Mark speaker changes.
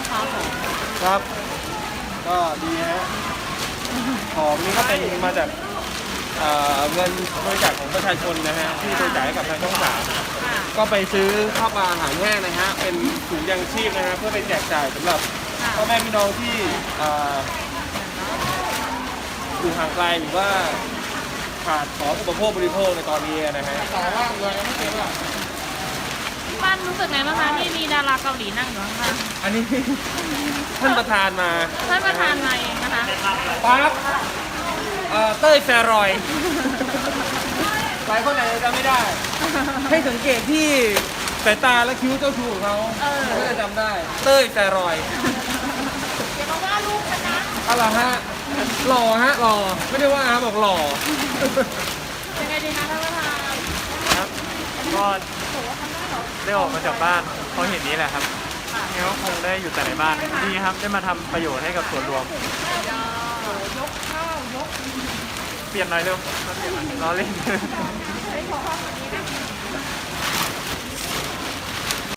Speaker 1: ครับผม
Speaker 2: ครับ ก็ดีฮะของนี้ก็เป็นมาจากเงินบริจาคของประชาชนนะฮะที่บริจาคให้กับทางช่องสาม
Speaker 1: ค่ะ
Speaker 2: ก็ไปซื้อข้าวปลาอาหารแห้งนะฮะเป็นถุงยังชีพนะฮะเพื่อไปแจกจ่ายสำหรับพ่อแม่พี่น้องที่อยู่ห่างไกลหรือว่าขาดของอุปโภคบริโภคในตอนนี้นะฮะ
Speaker 1: ที่บ้านรู้สึกไงบ้างคะที่มีดาราเกาหลีนั่งอยู่ข้าง
Speaker 2: อันนี้ ท่านประธานมา
Speaker 1: ๆท่านประธานมาเองนะคะ
Speaker 2: ปั๊บเต้ยแฟรอยหลายคนอาจจะจำไม่ได้ ให้สังเกตที่สายตาและคิ้วเจ้าชูของเขาก็จะจำได้ เต้ยแฟรอย
Speaker 1: อย่ามาว่าลูกฉันนะ
Speaker 2: อะไรฮะ หล่อฮะหล่อไม่ได้ว่าบอกหล่อ
Speaker 1: ยังไงดีคะท่านประธาน
Speaker 3: ครับก็ได้ออกมาจากบ้านเพราะเห็นนี้แหละครับงั้นก็คงได้อยู่แต่ในบ้านดีครับได้มาทำประโยชน์ให้กับส่วนรวมเปลี่ยนหน่อยเร็วล้อเล่น